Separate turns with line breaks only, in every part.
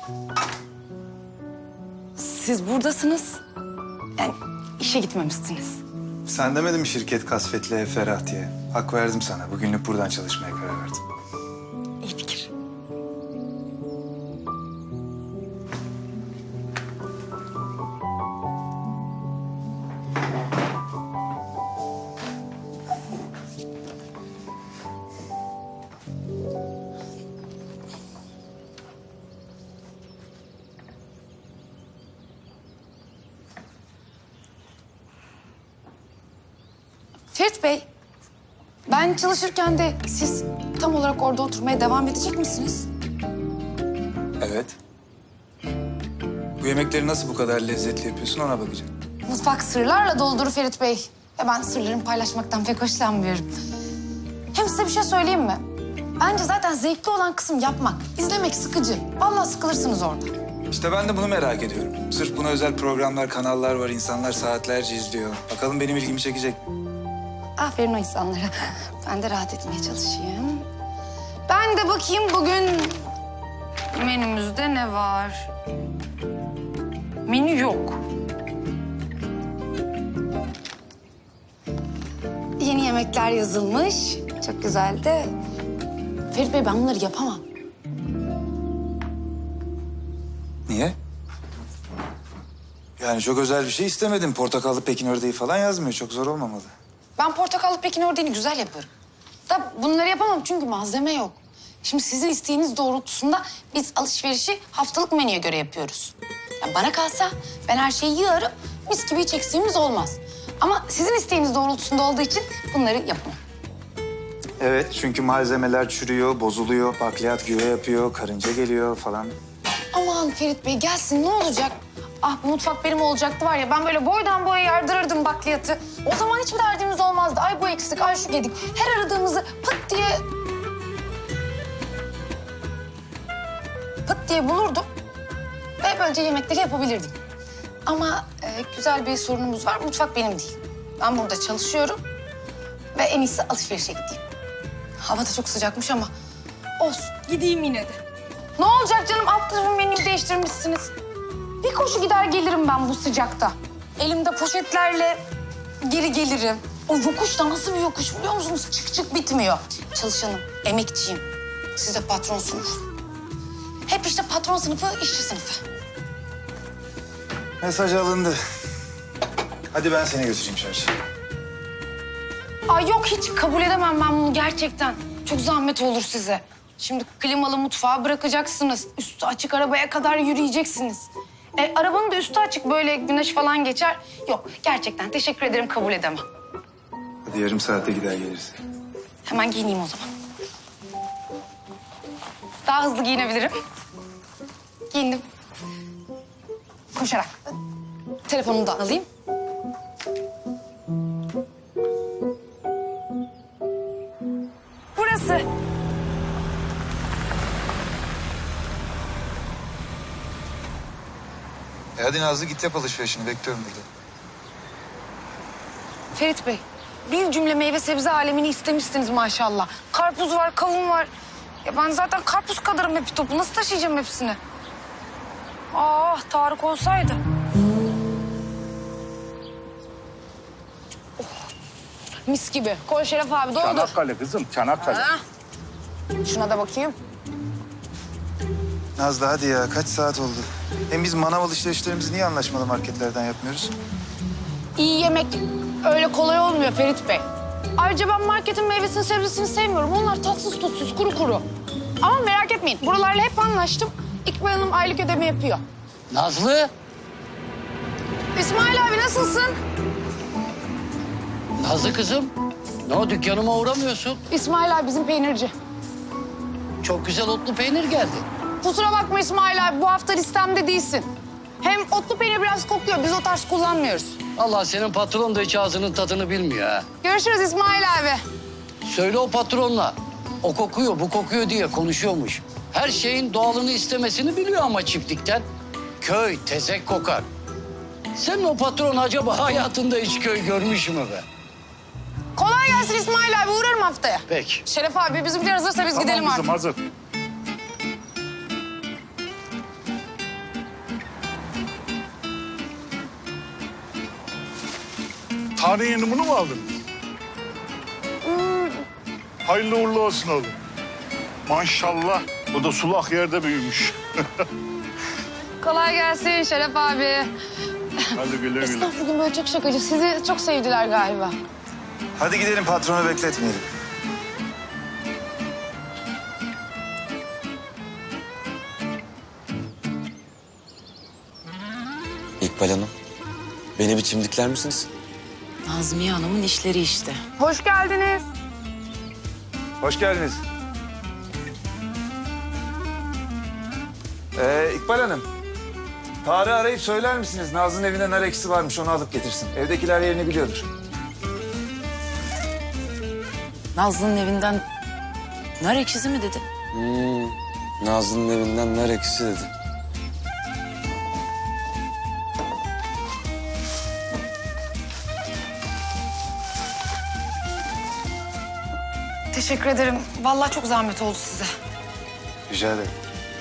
Siz buradasınız. Yani işe gitmemişsiniz.
Sen demedin mi şirket kasvetli ev ferah diye? Hak verdim sana. Bugünlük buradan çalışmaya karar verdim.
İyi fikir. Ferit Bey, ben çalışırken de siz tam olarak orada oturmaya devam edecek misiniz?
Evet. Bu yemekleri nasıl bu kadar lezzetli yapıyorsun ona bakacağım.
Mutfak sırlarla doldur Ferit Bey. Ve ben sırlarımı paylaşmaktan pek hoşlanmıyorum. Hem size bir şey söyleyeyim mi? Bence zaten zevkli olan kısım yapmak. İzlemek sıkıcı. Vallahi sıkılırsınız orada.
İşte ben de bunu merak ediyorum. Sırf buna özel programlar, kanallar var. İnsanlar saatlerce izliyor. Bakalım benim ilgimi çekecek mi?
Aferin o insanlara. Ben de rahat etmeye çalışayım. Ben de bakayım bugün menümüzde ne var? Menü yok. Yeni yemekler yazılmış. Çok güzel de. Ferit Bey ben bunları yapamam.
Niye? Yani çok özel bir şey istemedim. Portakallı Pekin ördeği falan yazmıyor. Çok zor olmamalı.
Ben portakallı Pekin ördeğini güzel yaparım. Da bunları yapamam çünkü malzeme yok. Şimdi sizin isteğiniz doğrultusunda biz alışverişi haftalık menüye göre yapıyoruz. Yani bana kalsa ben her şeyi yığarım, mis gibi hiç eksiğimiz olmaz. Ama sizin isteğiniz doğrultusunda olduğu için bunları yapamam.
Evet, çünkü malzemeler çürüyor, bozuluyor, bakliyat güve yapıyor, karınca geliyor falan.
Aman Ferit Bey gelsin ne olacak? Ah bu mutfak benim olacaktı var ya ben böyle boydan boya yardırırdım bakliyatı. O zaman hiçbir derdimiz olmazdı. Ay bu eksik, ay şu gedik. Her aradığımızı pıt diye bulurdum. Ve böylece yemekleri yapabilirdim. Ama güzel bir sorunumuz var. Mutfak benim değil. Ben burada çalışıyorum. Ve en iyisi alışverişe gideyim. Hava da çok sıcakmış ama olsun. Gideyim yine de. Ne olacak canım? Alt tarafın menüyü değiştirmişsiniz. Bir koşu gider gelirim ben bu sıcakta. Elimde poşetlerle geri gelirim. O yokuş da nasıl bir yokuş biliyor musunuz? Çık çık bitmiyor. Çalışanım, emekçiyim. Siz de patronsunuz. Hep işte patron sınıfı, işçi sınıfı.
Mesaj alındı. Hadi ben seni götüreyim çarşıya.
Ay yok hiç kabul edemem ben bunu gerçekten. Çok zahmet olur size. Şimdi klimalı mutfağı bırakacaksınız. Üstü açık arabaya kadar yürüyeceksiniz. Arabanın da üstü açık böyle güneş falan geçer. Yok gerçekten teşekkür ederim kabul edemem.
Hadi yarım saate gider geliriz.
Hemen giyineyim o zaman. Daha hızlı giyinebilirim. Giyindim. Koşarak. Telefonumu da alayım. Burası.
Hadi Nazlı git yap alışverişini. Bekliyorum burada.
Ferit Bey, bir cümle meyve sebze alemini istemişsiniz maşallah. Karpuz var, kavun var. Ya ben zaten karpuz kadarım hepi topu. Nasıl taşıyacağım hepsini? Ah Tarık olsaydı. Oh, mis gibi. Koy Şeref abi doldur.
Çanakkale kızım, Çanakkale.
Ha. Şuna da bakayım.
Nazlı hadi ya. Kaç saat oldu? Hem biz manav alışverişlerimizi niye anlaşmalı marketlerden yapmıyoruz?
İyi yemek öyle kolay olmuyor Ferit Bey. Ayrıca ben marketin meyvesini sebzesini sevmiyorum. Onlar tatsız tuzsuz kuru kuru. Ama merak etmeyin buralarla hep anlaştım. İkbal Hanım aylık ödeme yapıyor.
Nazlı,
İsmail abi nasılsın?
Nazlı kızım. Ne o dükkanıma uğramıyorsun?
İsmail abi bizim peynirci.
Çok güzel otlu peynir geldi.
Kusura bakma İsmail abi bu hafta listemde değilsin. Hem otlu peynir biraz kokuyor biz o tarz kullanmıyoruz.
Allah senin patron da hiç ağzının tadını bilmiyor ha.
Görüşürüz İsmail abi.
Söyle o patronla. O kokuyor, bu kokuyor diye konuşuyormuş. Her şeyin doğalını istemesini biliyor ama çiftlikten. Köy tezek kokar. Senin o patron acaba hayatında hiç köy görmüş mü be?
Kolay gelsin İsmail abi uğrarım haftaya.
Peki.
Şeref abi bizimkiler hazırsa biz
Tamam
gidelim
kızım,
artık.
hazır. Hane yeni bunu mu aldın? Hayırlı uğurlu olsun oğlum. Maşallah. Bu da sulak yerde büyümüş.
Kolay gelsin Şeref abi.
Hadi güle güle.
Esnaf bugün böyle çok şakacı. Sizi çok sevdiler galiba.
Hadi gidelim, patronu bekletmeyelim.
İkbal Hanım, beni bir çimdikler misiniz?
Nazmiye Hanım'ın işleri işte.
Hoş geldiniz.
Hoş geldiniz. İkbal Hanım, Tarık'ı arayıp söyler misiniz? Nazlı'nın evinde nar ekşisi varmış, onu alıp getirsin. Evdekiler yerini biliyordur.
Nazlı'nın evinden nar ekşisi mi dedi?
Nazlı'nın evinden nar ekşisi dedi.
Teşekkür ederim. Vallahi çok zahmet oldu size.
Rica ederim.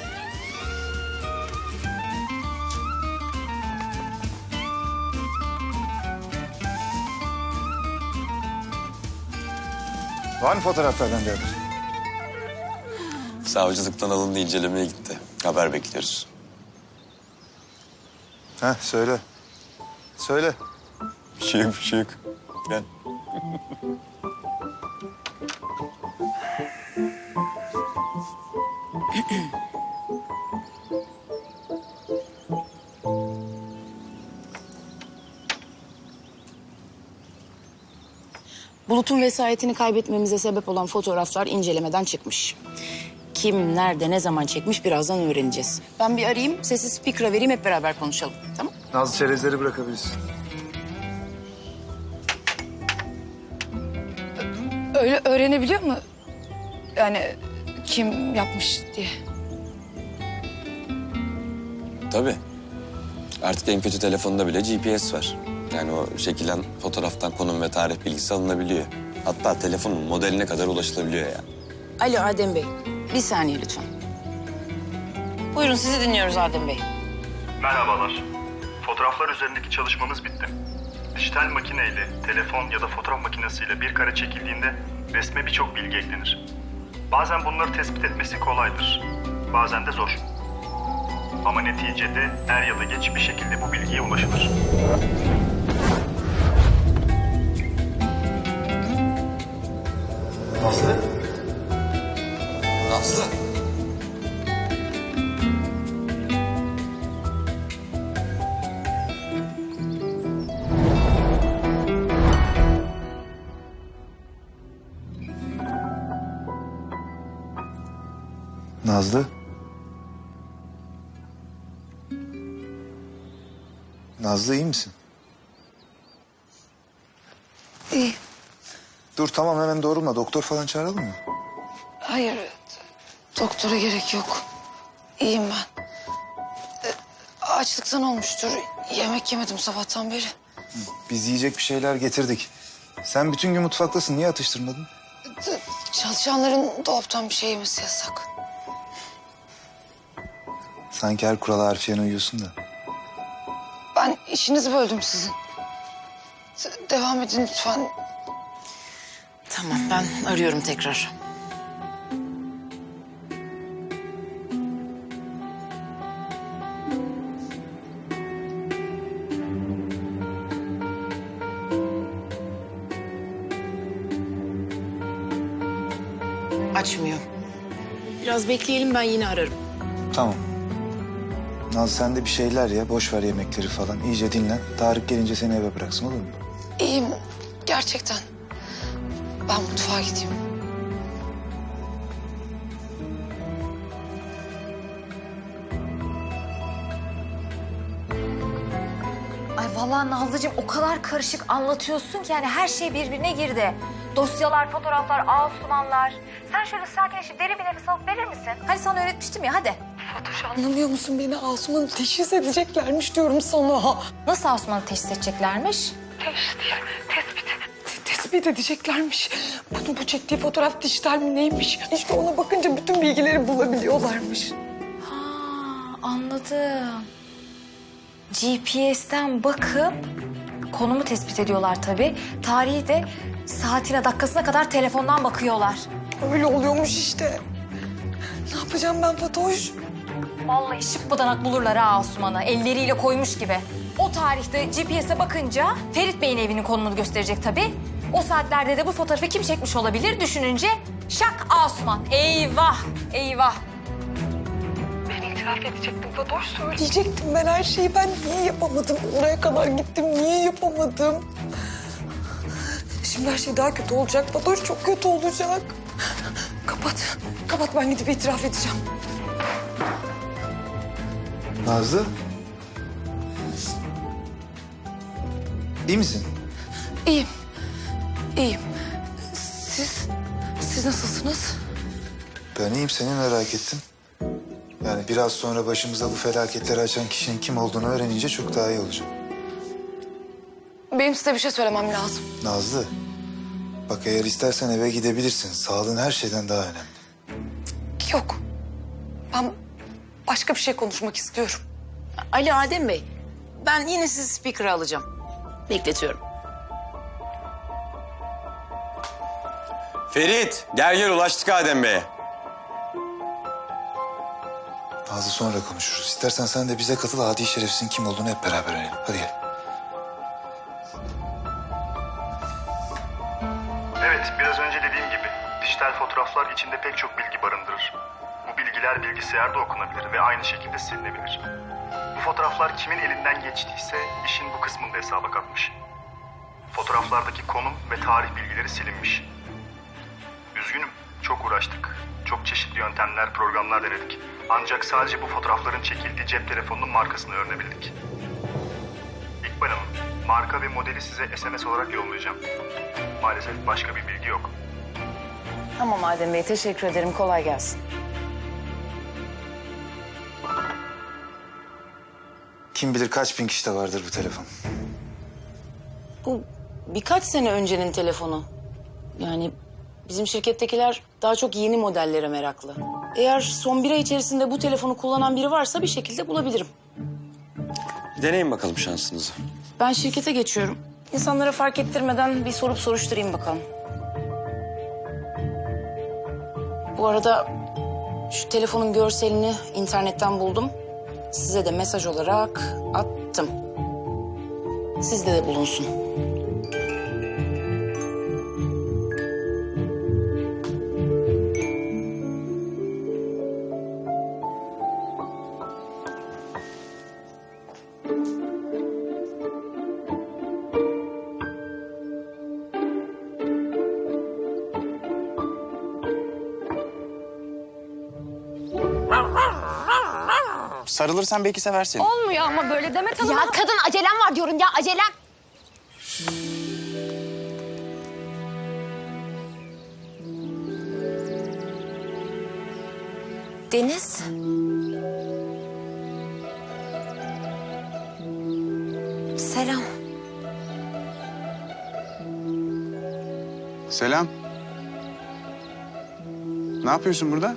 Var mı fotoğraflardan bir haber?
Savcılıktan alındı, incelemeye gitti. Haber bekliyoruz.
Söyle. Söyle.
Bir şey yok, bir şey yok. Gel.
Bulut'un vesayetini kaybetmemize sebep olan fotoğraflar incelemeden çıkmış. Kim, nerede, ne zaman çekmiş birazdan öğreneceğiz. Ben bir arayayım, sesi speaker'a vereyim, hep beraber konuşalım. Tamam?
Nazlı çerezleri bırakabilirsin.
Öyle öğrenebiliyor mu? Yani kim yapmış diye.
Tabii. Artık en kötü telefonda bile GPS var. Yani o çekilen fotoğraftan konum ve tarih bilgisi alınabiliyor. Hatta telefonun modeline kadar ulaşılabiliyor yani.
Alo Adem Bey, bir saniye lütfen. Buyurun, sizi dinliyoruz Adem Bey.
Merhabalar. Fotoğraflar üzerindeki çalışmamız bitti. Dijital makineyle, telefon ya da fotoğraf makinesiyle bir kare çekildiğinde resme birçok bilgi eklenir. Bazen bunları tespit etmesi kolaydır. Bazen de zor. Ama neticede er ya da geç bir şekilde bu bilgiye ulaşılır.
Nazlı? Nazlı? Nazlı? Nazlı iyi misin?
İyi.
Dur tamam hemen doğrulma. Doktor falan çağıralım mı?
Hayır, doktora gerek yok. İyiyim ben. Açlıktan olmuştur. Yemek yemedim sabahtan beri.
Biz yiyecek bir şeyler getirdik. Sen bütün gün mutfaktasın. Niye atıştırmadın?
Çalışanların dolaptan bir şey yemesi yasak.
Sanki her kurala harfiyen uyuyorsun da.
Ben işinizi böldüm sizin. Devam edin lütfen.
Tamam, ben arıyorum tekrar. Açmıyor. Biraz bekleyelim, ben yine ararım.
Tamam. Nazlı sen de bir şeyler ye. Boş ver yemekleri falan. İyice dinlen. Tarık gelince seni eve bıraksın olur mu?
İyiyim gerçekten. Ben mutfağa gideyim.
Ay vallahi Nazlıcığım o kadar karışık anlatıyorsun ki yani her şey birbirine girdi. Dosyalar, fotoğraflar, Asumanlar. Sen şöyle sakinleşip derin bir nefes alıp verir misin? Hani sana öğretmiştim ya hadi.
Fatoş anlamıyor musun beni? Asuman'ı teşhis edeceklermiş diyorum sana.
Nasıl Asuman'ı teşhis edeceklermiş?
Tespit edeceklermiş. Bu çektiği fotoğraf dijital mi neymiş? İşte ona bakınca bütün bilgileri bulabiliyorlarmış.
Ha anladım. GPS'ten bakıp Konumu tespit ediyorlar tabii. Tarihi de saatine dakikasına kadar telefondan bakıyorlar.
Öyle oluyormuş işte. Ne yapacağım ben Fatoş?
Vallahi şıppıdanak bulurlar ha Asuman'ı. Elleriyle koymuş gibi. O tarihte GPS'e bakınca Ferit Bey'in evinin konumunu gösterecek tabii. O saatlerde de bu fotoğrafı kim çekmiş olabilir düşününce şak Asuman. Eyvah, eyvah.
Ben itiraf edecektim Fatoş. Söyleyecektim ben her şeyi. Ben niye yapamadım? Oraya kadar gittim. Niye yapamadım? Şimdi her şey daha kötü olacak Fatoş. Çok kötü olacak. Kapat. Kapat, ben gidip itiraf edeceğim.
Nazlı. İyi misin?
İyiyim. İyiyim. Siz nasılsınız?
Ben iyiyim, seni merak ettim. Yani biraz sonra başımıza bu felaketleri açan kişinin kim olduğunu öğrenince çok daha iyi olacak.
Benim size bir şey söylemem lazım.
Nazlı, bak eğer istersen eve gidebilirsin. Sağlığın her şeyden daha önemli.
Yok. Ben başka bir şey konuşmak istiyorum.
Ali Adem Bey, ben yine sizi speaker'a alacağım. Bekletiyorum.
Ferit, gel ulaştık Adem Bey'e.
Nazlı sonra konuşuruz. İstersen sen de bize katıl, adi şerefsizin kim olduğunu hep beraber öğrenelim. Hadi gel.
Evet, biraz önce dediğim gibi dijital fotoğraflar içinde pek çok bilgi barındırır. Bu bilgiler bilgisayarda okunabilir ve aynı şekilde silinebilir. Bu fotoğraflar kimin elinden geçtiyse işin bu kısmında hesaba katmış. Fotoğraflardaki konum ve tarih bilgileri silinmiş. Üzgünüm, çok uğraştık. Çok çeşitli yöntemler, programlar denedik. Ancak sadece bu fotoğrafların çekildiği cep telefonunun markasını öğrenebildik. İkbal Hanım, marka ve modeli size SMS olarak yollayacağım. Maalesef başka bir bilgi yok.
Tamam Adem Bey, teşekkür ederim. Kolay gelsin.
Kim bilir kaç bin kişide vardır bu telefon.
Bu birkaç sene öncenin telefonu. Yani bizim şirkettekiler daha çok yeni modellere meraklı. Eğer son bir ay içerisinde bu telefonu kullanan biri varsa bir şekilde bulabilirim.
Deneyin bakalım şansınızı.
Ben şirkete geçiyorum. İnsanlara fark ettirmeden bir sorup soruşturayım bakalım. Bu arada şu telefonun görselini internetten buldum. Size de mesaj olarak attım. Sizde de bulunsun.
Sarılırsan belki sever seni.
Olmuyor ama böyle Demet Hanım.
Ya kadın acelem var diyorum ya, acelem.
Deniz. Selam.
Selam. Ne yapıyorsun burada?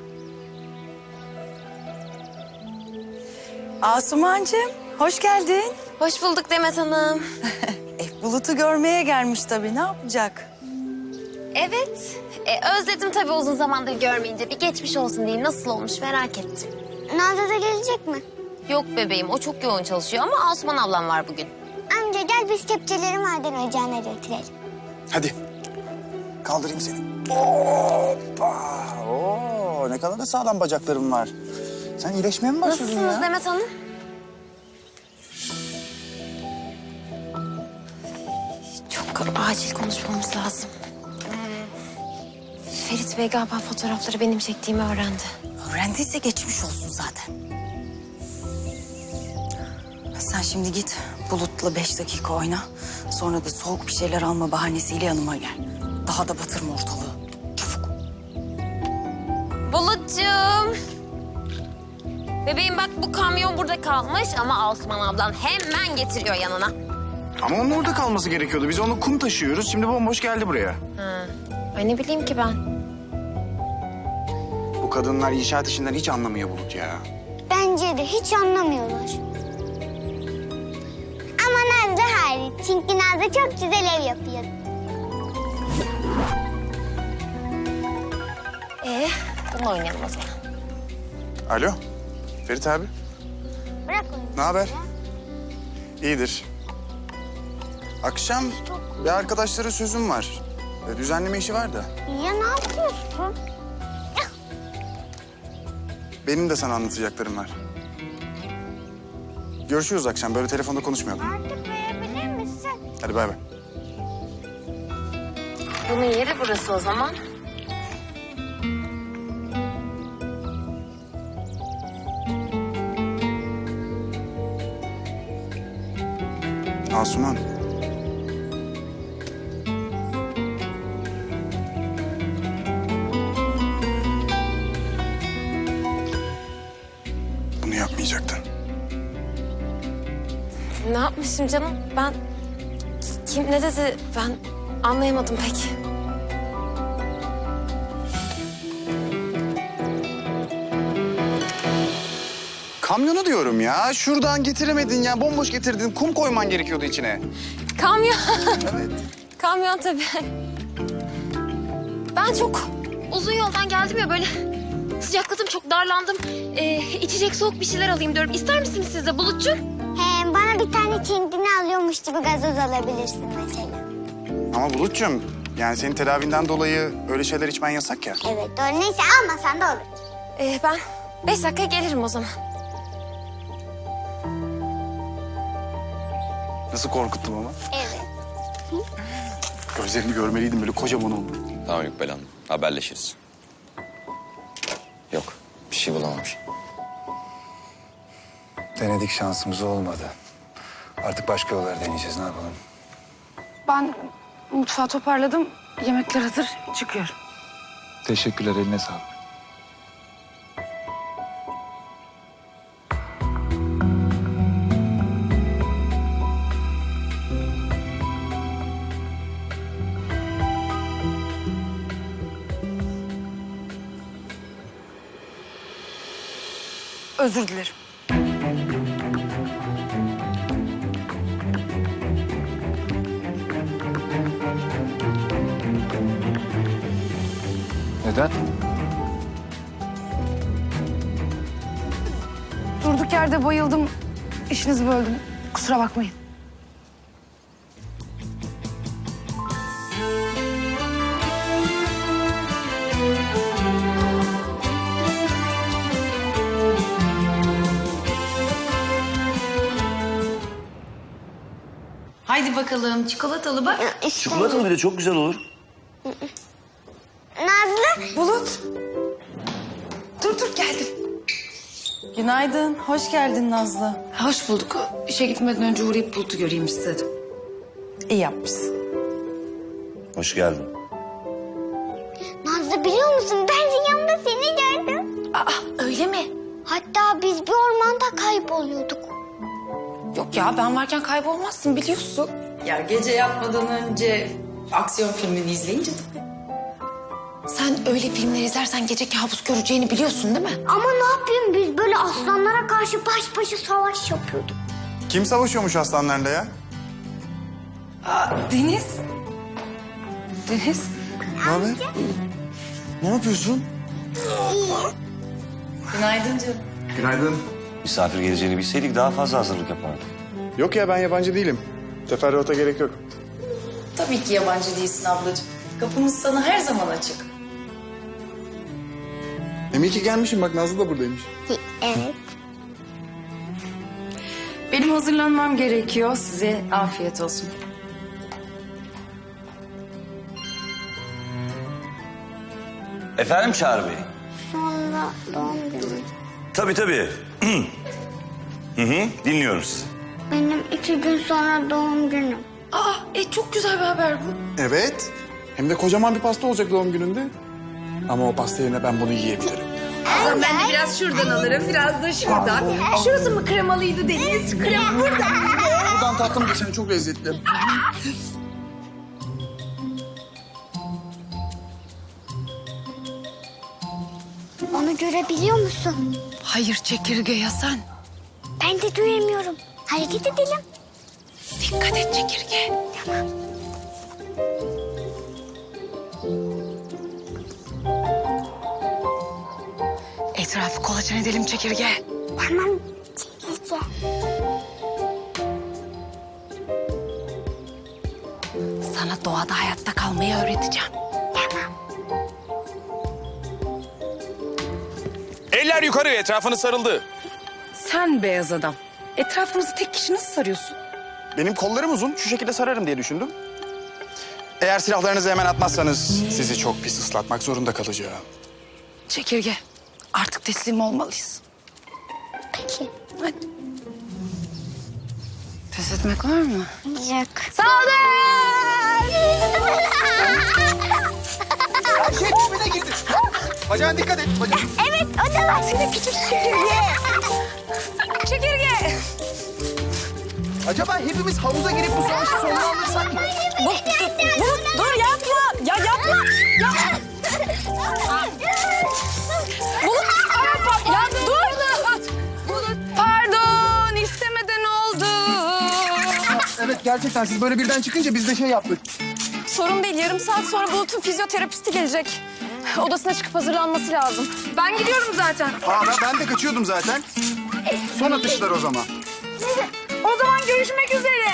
Asumancığım, hoş geldin.
Hoş bulduk Demet Hanım.
Bulut'u görmeye gelmiş tabii, ne yapacak?
Evet, özledim tabii uzun zamandır görmeyince. Bir geçmiş olsun diyeyim, nasıl olmuş merak ettim.
Nazlı da gelecek mi?
Yok bebeğim, o çok yoğun çalışıyor ama Asuman ablam var bugün.
Amca gel biz kepçeleri maden ocağına götürelim.
Hadi. Kaldırayım seni. Hoppa. Oo, ne kadar da sağlam bacaklarım var. Sen iyileşmeye mi başladın
Nasılsınız
ya?
Demet Hanım? Çok acil konuşmamız lazım. Ferit Bey galiba fotoğrafları benim çektiğimi öğrendi.
Öğrendiyse geçmiş olsun zaten. Sen şimdi git, Bulut'la 5 dakika oyna. Sonra da soğuk bir şeyler alma bahanesiyle yanıma gel. Daha da batırma ortalığı. Çabuk.
Bulutcuğum. Bebeğim bak bu kamyon burada kalmış ama Asuman ablan hemen getiriyor yanına.
Ama onun orada kalması gerekiyordu. Biz onu kum taşıyoruz. Şimdi bomboş geldi buraya.
Ay ne bileyim ki ben.
Bu kadınlar inşaat işinden hiç anlamıyor Bulut ya.
Bence de hiç anlamıyorlar. Ama Nazlı hariç. Çünkü Nazlı çok güzel ev yapıyor.
Bunu oynayalım o zaman.
Alo, Ferit abi.
Bırak onu.
Ne haber? İyidir. Akşam bir arkadaşlara sözüm var. Düzenleme işi var da.
Ya ne yapıyorsun?
Benim de sana anlatacaklarım var. Görüşürüz akşam. Böyle telefonda konuşmayalım.
Artık verebilir misin?
Hadi bay bay.
Bunun yeri burası o zaman.
Asuman. Bunu yapmayacaktın.
Ne yapmışım canım? Ben... Kim ne dedi? Ben anlayamadım pek.
Kamyonu diyorum ya. Şuradan getiremedin ya. Bomboş getirdin. Kum koyman gerekiyordu içine.
Kamyon.
Evet.
Kamyon tabii. Ben çok uzun yoldan geldim ya böyle sıcakladım, çok darlandım. İçecek soğuk bir şeyler alayım diyorum. İster misiniz siz de Bulutcuğum?
He, bana bir tane kendini alıyormuş gibi gazoz alabilirsin mesela.
Ama Bulut'cum yani senin tedavinden dolayı öyle şeyler içmen yasak ya.
Evet doğru. Neyse almasan da olur.
Ben 5 dakikaya gelirim o zaman.
Nasıl korkuttum ama.
Evet.
Gözlerini görmeliydim böyle kocaman oldu.
Tamam Yükbel Hanım, haberleşiriz. Yok, bir şey bulamamış.
Denedik, şansımız olmadı. Artık başka yollar deneyeceğiz, ne yapalım?
Ben mutfağı toparladım. Yemekler hazır. Çıkıyorum.
Teşekkürler, eline sağlık.
Özür dilerim.
Neden?
Durduk yerde bayıldım. İşinizi böldüm. Kusura bakmayın.
Haydi bakalım çikolatalı bak.
Çikolatalı
bir de çok güzel olur.
Nazlı.
Bulut. Dur geldim.
Günaydın, hoş geldin Nazlı.
Hoş bulduk. İşe gitmeden önce uğrayıp Bulut'u göreyim istedim.
İyi yapmışsın.
Hoş geldin.
Nazlı biliyor musun ben rüyamda seni gördüm.
Öyle mi?
Hatta biz bir ormanda kayboluyorduk.
Yok ya, ben varken kaybolmazsın biliyorsun.
Ya gece yatmadan önce aksiyon filmini izleyince tabii.
Sen öyle filmler izlersen gece kabus göreceğini biliyorsun değil mi?
Ama ne yapayım biz böyle aslanlara karşı baş başa savaş yapıyorduk.
Kim savaşıyormuş aslanlarla ya?
Deniz. Deniz.
Ne haber? Ne yapıyorsun?
Günaydın canım.
Günaydın.
Misafir geleceğini bilseydik daha fazla hazırlık yapardık.
Yok ya ben yabancı değilim. Teferruata gerek yok.
Tabii ki yabancı değilsin ablacığım. Kapımız sana her zaman açık.
Demek ki gelmişim bak Nazlı da buradaymış.
Evet.
Benim hazırlanmam gerekiyor. Size afiyet olsun.
Efendim Çağrı Bey?
Sonra doğum günü.
Tabii. Dinliyorum sizi.
Benim 2 gün sonra doğum günüm.
Çok güzel bir haber bu.
Evet. Hem de kocaman bir pasta olacak doğum gününde. Ama o pasta yerine ben bunu yiyebilirim.
Ben de biraz şuradan alırım, biraz da şuradan. Şurası mı kremalıydı Deniz? Krem burada.
Buradan tatlım geçen çok lezzetli.
Onu görebiliyor musun?
Hayır çekirge ya sen.
Ben de duyamıyorum. Hareket edelim.
Dikkat et çekirge. Etrafı kolaçan edelim çekirge.
Tamam çekirge.
Sana doğada hayatta kalmayı öğreteceğim.
Eller yukarı, etrafını sarıldı.
Sen beyaz adam. Etrafımızı tek kişi nasıl sarıyorsun?
Benim kollarım uzun, şu şekilde sararım diye düşündüm. Eğer silahlarınızı hemen atmazsanız sizi çok pis ıslatmak zorunda kalacağım.
Çekirge, artık teslim olmalıyız.
Peki.
Hadi. Pes etmek var mı?
Yok.
Her şey birbirine girdi. Bacağına dikkat et.
Evet o da var. Seni küçük çekirge.
Çekirge.
Acaba hepimiz havuza girip bu savaşı sonuna alırsak mı?
Dur yapma. Ya yapma. Ya. Bulut. Ya dur. Bulut. Pardon istemeden oldu.
Evet, gerçekten siz böyle birden çıkınca biz de şey yaptık.
Sorun değil. Yarım saat sonra Bulut'un fizyoterapisti gelecek. Odasına çıkıp hazırlanması lazım. Ben gidiyorum zaten.
Ben de kaçıyordum zaten. Son atışlar o zaman.
O zaman görüşmek üzere.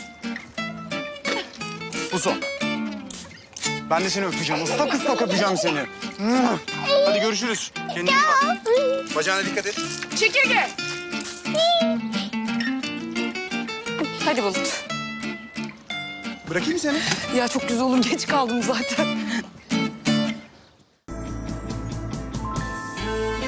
Bu son. Ben de seni öpeceğim. Usta kıstok öpeceğim seni. Hadi görüşürüz. Kendine iyi bak. Bacağına dikkat et.
Çekirge. Hadi Bulut.
Bırakayım seni.
Ya çok güzel oğlum. Geç kaldım zaten.